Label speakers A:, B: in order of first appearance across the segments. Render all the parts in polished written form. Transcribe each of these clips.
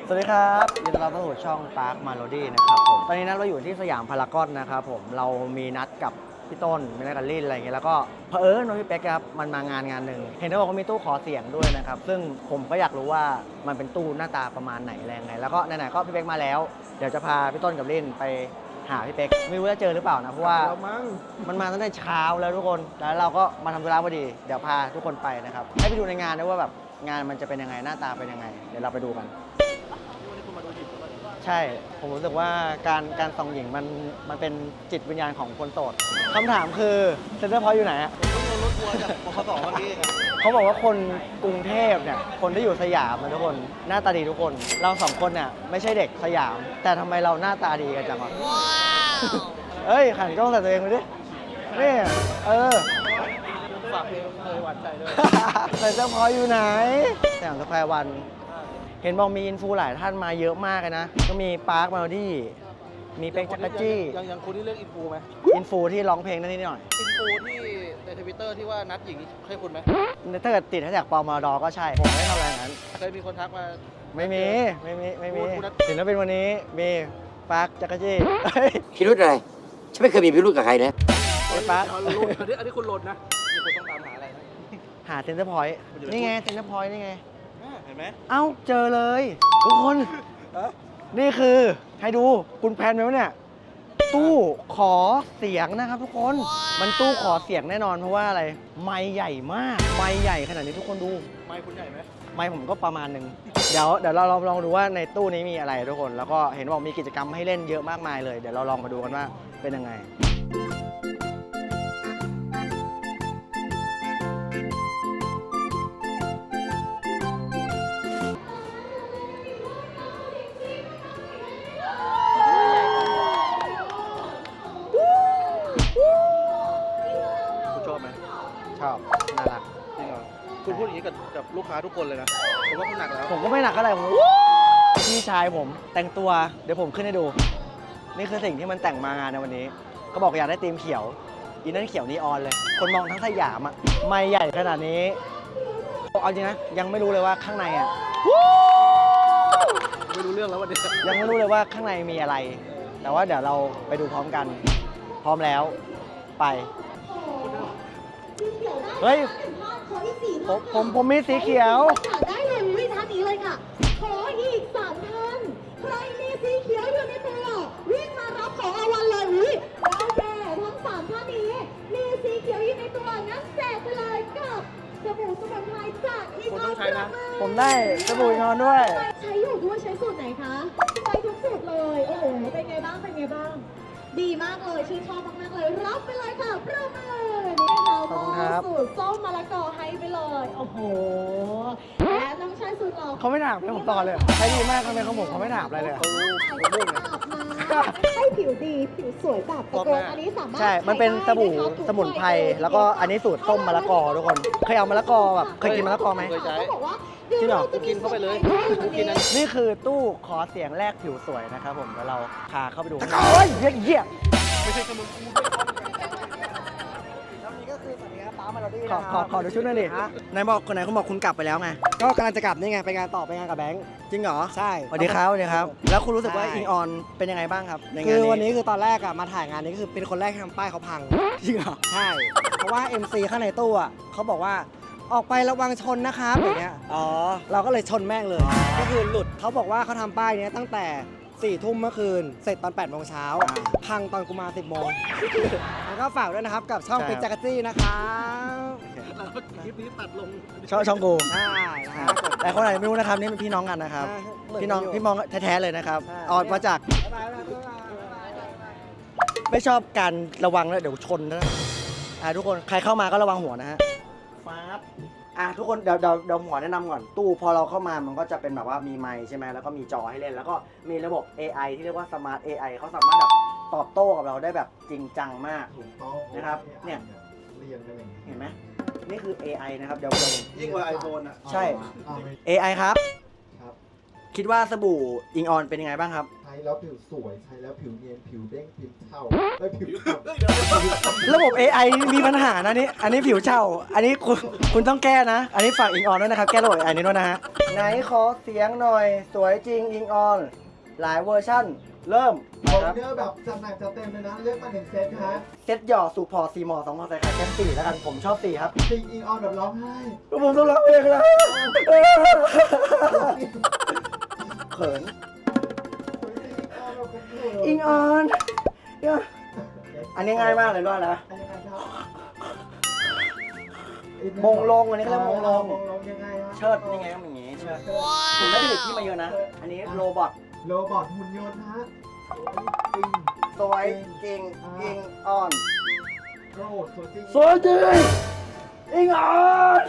A: สวัสดีครับยินดีต้อนรับเข้าสู่ช่อง Park Melody นะครับผมตอนนี้เราอยู่ที่สยามพารากอนนะครับผมเรามีนัดกับพี่ต้นมีนัดกับลิ่นอะไรอย่างเงี้ยแล้วก็เผอิญน้องพี่เป๊กครับมันมางานหนึ่งเห็นเขาบอกว่ามีตู้ขอเสียงด้วยนะครับซึ่งผมก็อยากรู้ว่ามันเป็นตู้หน้าตาประมาณไหนอะไรยังไงแล้วก็ไหนๆก็พี่เป๊กมาแล้วเดี๋ยวจะพาพี่ต้นกับลิ่นไปหาพี่เป๊กไม่รู้จะเจอหรือเปล่านะเพราะว่ามันมาตั้งแต่เช้าแล้วทุกคนแล้วเราก็มาทำธุระพอดีเดี๋ยวพาทุกคนไปนะครับให้ไปดูในงานด้วยว่าแบบงานมันจะเป็นยังไงหน้าตาเป็นยังไงเดี๋ยวเราไปดูกัน ใช่ ผมรู้สึกว่าการส่องหญิงมันเป็นจิตวิญญาณของคนโสดคำถามคือเซ็นเตอร์พอยต์อยู่ไหนอะรถทัวร์จากบขสเมื่อกี้เขาบอกว่าคนกรุงเทพเนี่ยคนที่อยู่สยามนะทุกคนหน้าตาดีทุกคนเราสองคนเนี่ยไม่ใช่เด็กสยาม แต่ทำไมเราหน้าตาดีกันจังวะเอ้ยขันกล้องใส่ตัวเองไปดินี่ฝากเพลงเคยหวานใจด้วยเซ็นเตอร์พอยต์อยู่ไหนสยามสแควร์วันเห็นบอกมีอินฟูหลายท่านมาเยอะมากเลยนะก็มีปาร์ค Melody มีเป็กจักรจี้
B: ยังคุณที่เลือกอินฟูไหม
A: อินฟูที่ร้องเพลงนั่นนี่หน่อย
B: อินฟูที่ในทวิตเตอร์ที่ว่านัดหญิงใช่คุณไหม
A: ถ้าเกิดติดให้จากปอมอดอก็ใช่ผมไม่ทำอะไรงั้น
B: เคยมีคนทักมา
A: ไม่มีศิลปินวันนี้มีปาร์คจักรจี้
C: พิรุธอะไรฉันไม่เคยมีพิรุธกับใครนะ
A: ปาร์ค
B: อันนี้คุณโหลดนะมีคนต้องตามหาอะไรนะ
A: หาเซ็นเตอร์พอยต์นี่ไงเซ็นเตอร์พอยต์นี่ไง
B: เห็นไหม
A: เอ้าเจอเลยทุกคนนี่คือให้ดูคุณแพนไหมวะเนี่ยตู้ขอเสียงนะครับทุกคนมันตู้ขอเสียงแน่นอนเพราะว่าอะไรไมค์ใหญ่มากไมค์ใหญ่ขนาดนี้ทุกคนดู
B: ไมค์คุณใหญ่ไหม
A: ไมค์ผมก็ประมาณหนึ่งเดี๋ยวเราลองดูว่าในตู้นี้มีอะไรทุกคนแล้วก็เห็นบอกมีกิจกรรมให้เล่นเยอะมากมายเลยเดี๋ยวเราลองมาดูกันว่าเป็นยังไงชอบน่ารัก
B: จริงเหรอคุณพูดอย่างนี้กับลูกค้าทุกคนเลยนะผมว่าคุณหนักแล้ว
A: ผมก็ไม่หนักอะไรผมพี่ชายผมแต่งตัวเดี๋ยวผมขึ้นให้ดูนี่คือสิ่งที่มันแต่งมางานในวันนี้ก็บอกอยากได้ธีมเขียวอีนั่นเขียวนีออนเลยคนมองทั้งสยามอ่ะไม่ใหญ่ขนาดนี้เอาจริงนะยังไม่รู้เลยว่าข้างในอ่ะ
B: ไม่รู้เรื่องแล้ววันนี้
A: ยังไม่รู้เลยว่าข้างในมีอะไรแต่ว่าเดี๋ยวเราไปดูพร้อมกันพร้อมแล้วไปเฮ้ยผมมีสีเขียว
D: ได้เลยวิท่านนี้เลยค่ะขออีก3 ท่านใครมีสีเขียวอยู่ในตัววิ่งมารับของรางวัลเลยวิโอเคทั้ง3 ท่านนี้มีสีเขียวอยู่ในตัวงั้นแจกไปเลยกับสบู่สมุนไพรจากอีก
B: ต้องใช้นะ
A: ผมได้สบู่นอนด้วย
D: ใช้อยู่ด้วยใช้สูตรไหนคะใช้ทุกสูตรเลยโอ้โหเป็นไงบ้างดีมากเลยชื่นชอบมากๆเลยรับไปเลยค่ะประเมินนี่เราสูตรส้มมะละกอให้ไปเลยโอ้โหและน้องชายสุดหล่อ
A: เขาไม่ถามเลยผมต่อเลยใช้ดีมากทำไมเขาบอกเขาไม่ถามอะไรเลย
D: ให้ผิวดีผิวสวยแบบตะโกนอันนี้สามารถ
A: ใช่มันเป็นสบู่สมุนไพรแล้วก็อันนี้สูตรส้มมะละกอทุกคนเคยเอามะละกอแบบเคยกินมะละกอไหม
B: เคยใช้
A: จริงเหรอ
B: กินเข้าไปเลย
A: นี่คือตู้ขอเสียงแรกผิวสวยนะครับผมเดี๋ยวเราพาเข้าไปดูโอ้ยเยี่ย
B: ไม่ใช่สมุน
A: ขอดูชุดหน่อยดิไหนบอกคนไหนคุณบอกคุณกลับไปแล้วไงก็กำลังจะกลับนี่ไงไปงานต่อไปงานกับแบงค์จริงเหรอใช่สวัสดีครับแล้วคุณรู้สึกว่าอิงออนเป็นยังไงบ้างครับในงานนี้คือวันนี้คือตอนแรกอะมาถ่ายงานนี้คือเป็นคนแรกที่ทำป้ายเขาพังจริงเหรอใช่เพราะว่า MC ข้างในตู้อะเขาบอกว่าออกไประวังชนนะครับอย่างเงี้ยอ๋อเราก็เลยชนแม่งเลยก็คือหลุดเขาบอกว่าเขาทำป้ายนี้ตั้งแต่4 ทุ่มเมื่อคืนเสร็จตอน8 โมงเช้าพังตอนกูมา10 โมงแล้วก็ฝากด้วยนะครับกับช่องเป็กจักรจี้นะครับ
B: คลิปนี้ตัดลง
A: ช่องกูใช่นะครับแต่คนไหนไม่รู้นะครับนี่เป็นพี่น้องกันนะครับพี่น้องแท้ๆเลยนะครับออกมาจากไม่ชอบการระวังแล้วเดี๋ยวชนนะทุกคนใครเข้ามาก็ระวังหัวนะฮะฟ้าทุกคนเดี๋ยวหัวแนะนำก่อนตู้พอเราเข้ามามันก็จะเป็นแบบว่ามีไมค์ใช่ไหมแล้วก็มีจอให้เล่นแล้วก็มีระบบ AI ที่เรียกว่า Smart AI เขาสามารถแบบตอบโต้กับเราได้แบบจริงจังมากนะครับเนี่ยเห็นไหมนี่คือ AI นะครับเดี๋ยว
B: ยิ่งกว่า iPhone อ่ะ
A: ใช่ AI ครับคิดว่าสบู่อิงออนเป็นยังไงบ้างครับ
E: ช้แล้วผิวสวยใช้แล้วผิวเนียนผิวเด้งผิวเทาได้ผิวเทา
A: ระบบ AI มีปัญหานะนี่อันนี้ผิวเช่า อันนี้คุณต้องแก้นะ อันนี้ฝากอิงออนด้วยนะครับ แก้ระบบ AI นี้ด้วยนะฮะ ไหนขอเสียงหน่อย สวยจริงอิงออน หลายเวอร์ชั่น เริ่ม
E: คอ
A: ครับ
E: เนอร์แบบจัดหนักจัดเต็มเลยนะเลือกมา1 เซตฮะ
A: เซ็ตหย่อสูพอ4หมอ2หมอใส่ไข่แค่4แล้วกัน ผมชอบ4ครับ
E: ซิงอิงออนแบบร้องไห้
A: ผมต้องร้องเพลงแล้วเขิน อิงออนอันนี้ง่ายมากเลยด้วยนะมงลงอันนี้เขาเรียกมงลง
E: มงลงยังไงฮะ
A: เชิดนี่ไงก็อย่างงี้เชิดผมไม่ได้ผลิตที่มาเยอะนะ อันนี้โรบอท
E: โรบอทหุ่นยนต์ฮะจริง
A: สวยจริงอิงออน
E: โกรธสวยจริง
A: สวยจริงอิงออน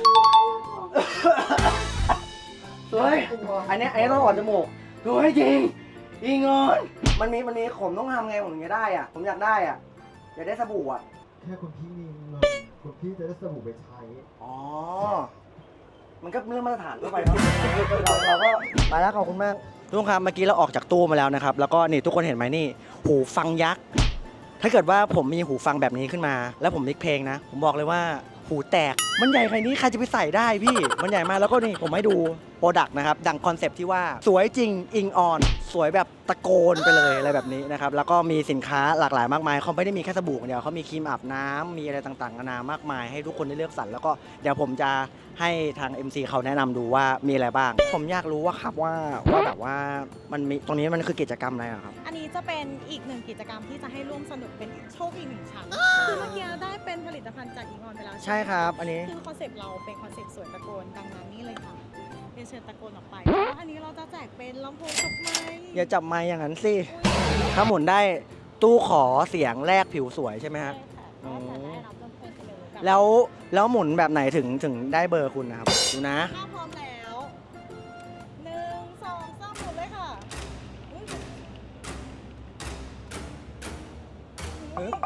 A: สวยอันนี้ต้องออกจมูกสวยจริงอิงออนมันมีผมต้องทำไงผมถึงจะได้อ่ะผมอยากได้อ่ะอยากได้สบู่อ่ะ
E: แค่คุณพี่มีเงินคุณพี่จะได้สบู่ไปใช้
A: อ๋อมันก็เรื่องมาตรฐานทั่วไปเนาะเราก็ไปแล้วขอบคุณมากทุกคนครับเมื่อกี้เราออกจากตู้มาแล้วนะครับแล้วก็นี่ทุกคนเห็นไหมนี่หูฟังยักษ์ถ้าเกิดว่าผมมีหูฟังแบบนี้ขึ้นมา แล้วผมมิกเพลงนะผมบอกเลยว่าหูแตกมันใหญ่ขนาดนี้ใครจะไปใส่ได้พี่มันใหญ่มากแล้วก็นี่ผมให้ดูโปรดักต์นะครับดังคอนเซปต์ที่ว่าสวยจริงอิงออนสวยแบบตะโกนไปเลยอะไรแบบนี้นะครับแล้วก็มีสินค้าหลากหลายมากมายเขาไม่ได้มีแค่สบู่อย่างเดียวเขามีครีมอาบน้ำมีอะไรต่างๆนานามากมายให้ทุกคนได้เลือกสรรแล้วก็เดี๋ยวผมจะให้ทาง MC เขาแนะนำดูว่ามีอะไรบ้างผมอยากรู้ว่าครับว่าแบบว่ามันมีตรงนี้มันคือกิจกรรมอะไรอะครับ
F: อันนี้จะเป็นอีกหนึ่งกิจกรรมที่จะให้ร่วมสนุกเป็นโชคอีกหนึ่งชั้นคือเมื่อกี้ได้เป็นผลิตภัณฑ์จากอีออนไปแล้ว
A: ใช่ครับอันนี้
F: คือคอนเซปต์เราเป็นคอนเซปต์สวยตะโกนดังนั้นนี่เลยค่ะเป็นเชิญตะโกนออกไปแล้วอันนี้เราจะแจกเป็นลำโพงกับไมค์
A: อย่าจับไม้อย่างนั้นสิถ้าหมุนได้ตู้ขอเสียงแลกผิวสวยใช่ไหมฮะ
F: ใช่ค่ะก็จะได้รับลำโพงไปเลยแบบ
A: แล้วหมุนแบบไหนถึงได้เบอร์คุณนะครับดูนะ
F: ถ้าพร้อมแล้ว1 2 3หมุนเลยค่ะอุ๊ย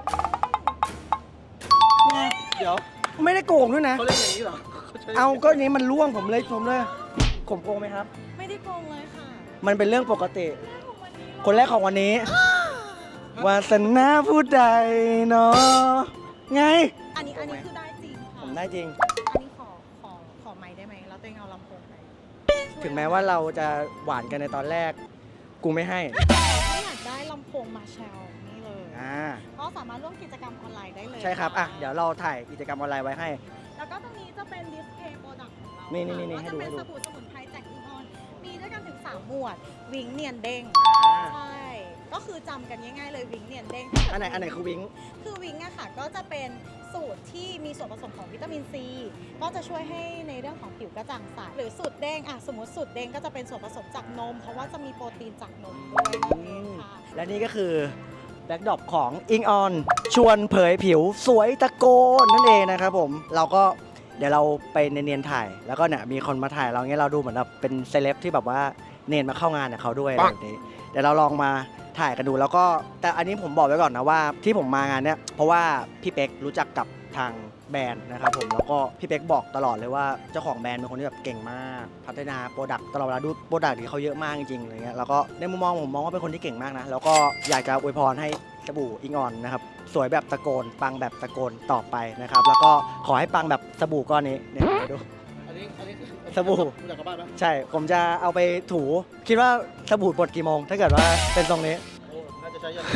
B: เดี๋ยว
A: ไม่ได้โกงด้วยนะ
B: เขาเล่นอย่างนี้เหรอใช้
A: เอาก็นี้มันล่วงผมเลยผมโกงไหมครับ
F: ไม่ได้โกงเลยค่ะ
A: มันเป็นเรื่องปกติ
F: ของวันนี้
A: คนแรกของวันนี้ วาสนาผู้ใดเนาะไง
F: อันนี้คือได้จริงค่ะ
A: ผมได้จริง
F: อันนี้ขอไมค์ได้ไหมแล้วตัวเองเอาลำโพงไป
A: ถึงแม้ว่าเราจะหวานกันในตอนแรก กูไม่ให้
F: ถ้าอยากได้ลำโพงมาแชลนี่เลย ก็สามารถร่วมกิจกรรมออนไลน์ได้เลย
A: ใช่ครับอ่ะเดี๋ยวเราถ่ายกิจกรรมออนไลน์ไว้ให้
F: แล้วก็ตรงนี้จะเป็นดิสเพย์โปรดักต์ของเรา
A: นี่
F: ค่ะ
A: ให้
F: ก็
A: ดู
F: จะเป็น
A: ให้ดู
F: สบู่สมุนไพรจากอีออน มีด้วยกันถึง3หมวด วิงเนียนเด้ง ใช่ ก็คือจำกันง่ายๆเลยวิงเนียนเด้ง
A: อันไหนคือวิง
F: คือวิงอะค่ะก็จะเป็นสูตรที่มีส่วนผสมของวิตามินซีก็จะช่วยให้ในเรื่องของผิวกระจ่างใสหรือสูตรเด้งอะสมมติสูตรเด้งก็จะเป็นส่วนผสมจากนม เพราะว่าจะมีโปรตีนจากนมด้วยนั่นเองค่ะ
A: และนี่ก็คือแบ็คดรอปของอิงออนชวนเผยผิวสวยตะโกนนั่นเองนะครับผมเราก็เดี๋ยวเราไปเนียนๆถ่าย แล้วก็เนี่ยมีคนมาถ่ายเราเงี้ยเราดูเหมือนแบบเป็นเซเลบที่แบบว่าเนียนมาเข้างานกับเขาด้วยอะไรแบบนี้เดี๋ยวเราลองมาถ่ายกันดูแล้วก็แต่อันนี้ผมบอกไว้ก่อนนะว่าที่ผมมางานเนี้ยเพราะว่าพี่เป๊กรู้จักกับทางแบรนด์นะครับผมแล้วก็พี่เป๊กบอกตลอดเลยว่าเจ้าของแบรนด์เป็นคนที่แบบเก่งมากพัฒนาโปรดักต์ตลอดเวลาดูโปรดักต์ที่เขาเยอะมากจริงๆอะไรเงี้ยแล้วก็ในมุมมองผมมองว่าเป็นคนที่เก่งมากนะแล้วก็อยากจะอวยพรให้สบู่อิงออนนะครับสวยแบบตะโกนปังแบบตะโกนต่อไปนะครับแล้วก็ขอให้ปังแบบสบู่ก้อนนี้เนี่ยดู
B: อันนี้คือ
A: สบู่
B: คุณอยากกลับบ้านไหม
A: ใช่ผมจะเอาไปถูคิดว่าสบู่บดกี่โมงถ้าเกิดว่าเป็นทรงนี้
B: โอ้น่าจะใช้ยัน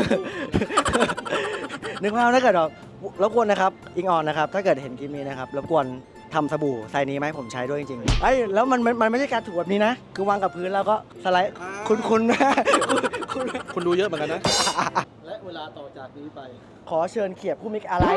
A: นึกว่าถ้าเกิดแบบรบกวนนะครับอิงออนนะครับถ้าเกิดเห็นคลิปนี้นะครับรบกวนทำสบู่ไซส์นี้ไหมาให้ผมใช้ด้วยจริงๆไอ้ยแล้วมันไม่ใช่การถูแบบนี้นะ คือวางกับพื้นแล้วก็สไลด์คุณคุณ
B: คุณดูเยอะเหมือนกันนะ และเวลาต่อจากนี้ไป
A: ขอเชิญเขียบผู้มิกอะไร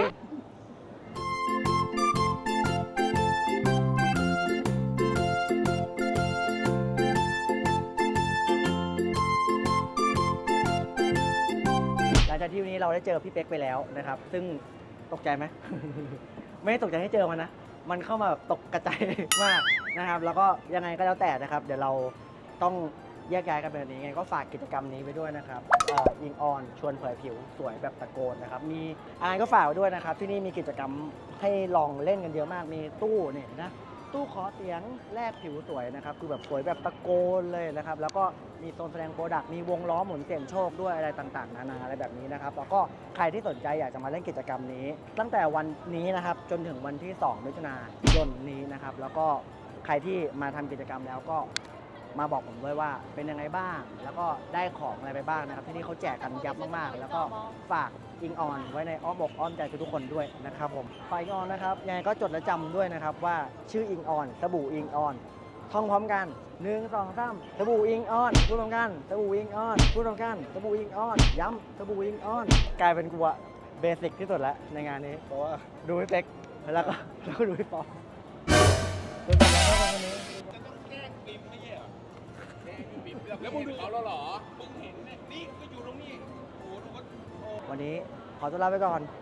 A: หลังจากที่วันนี้เราได้เจอพี่เป๊กไปแล้วนะครับซึ่งตกใจไหม ไม่ได้ตกใจให้เจอมันนะ มันเข้ามาแบบตกกระจาย มากนะครับ แล้วก็ยังไงก็แล้วแต่นะครับ เดี๋ยวเราต้องแยกย้ายกันแบบนี้ไงก็ฝากกิจกรรมนี้ไปด้วยนะครับอิงออนชวนเผยผิวสวยแบบตะโกนนะครับ มีก็ฝากไว้ด้วยนะครับ ที่นี่มีกิจกรรมให้ลองเล่นกันเยอะมาก มีตู้นี่นะตู้ขอเสียงแลกผิวสวยนะครับคือแบบสวยแบบตะโกนเลยนะครับแล้วก็มีโซนแสดงโปรดักต์มีวงล้อหมุนเสี่ยงโชคด้วยอะไรต่างๆนานาอะไรแบบนี้นะครับแล้วก็ใครที่สนใจอยากจะมาเล่นกิจกรรมนี้ ตั้งแต่วันนี้นะครับจนถึงวันที่ 2 มิถุนายนนี้นะครับแล้วก็ใครที่มาทำกิจกรรมแล้วก็มาบอกผมด้วยว่าเป็นยังไงบ้าง แล้วก็ได้ของอะไรไปบ้างนะครับที่นี่เขาแจกกันยับมากๆ แล้วก็ฝากอิงออนไว้ในอ้อมอกอ้อมใจทุกๆคนด้วยนะครับผมฝากอิงออนนะครับยังไงก็จดและจำด้วยนะครับว่าชื่ออิงออนสบู่อิงออนท่องพร้อมกัน1 2 3สบู่อิงออนพูดพร้อมกันสบู่อิงออนพูดพร้อมกันสบู่อิงออนย้ำสบู่อิงออนกลายเป็นกูอะเบสิกที่สุดแล้วในงานนี้เพราะว่าดูพี่เป๊กแล้วก็ดูพี่ปอเป็นแบบนั้นครับวันนี้
G: แล้วมึงดูเขาแล้วเหรอ มึงเห็นเนี่ยนี่ก็อยู่ตรงนี้ โอ้โหดูว่า
A: วันนี้ขอตัวลาไปก่อน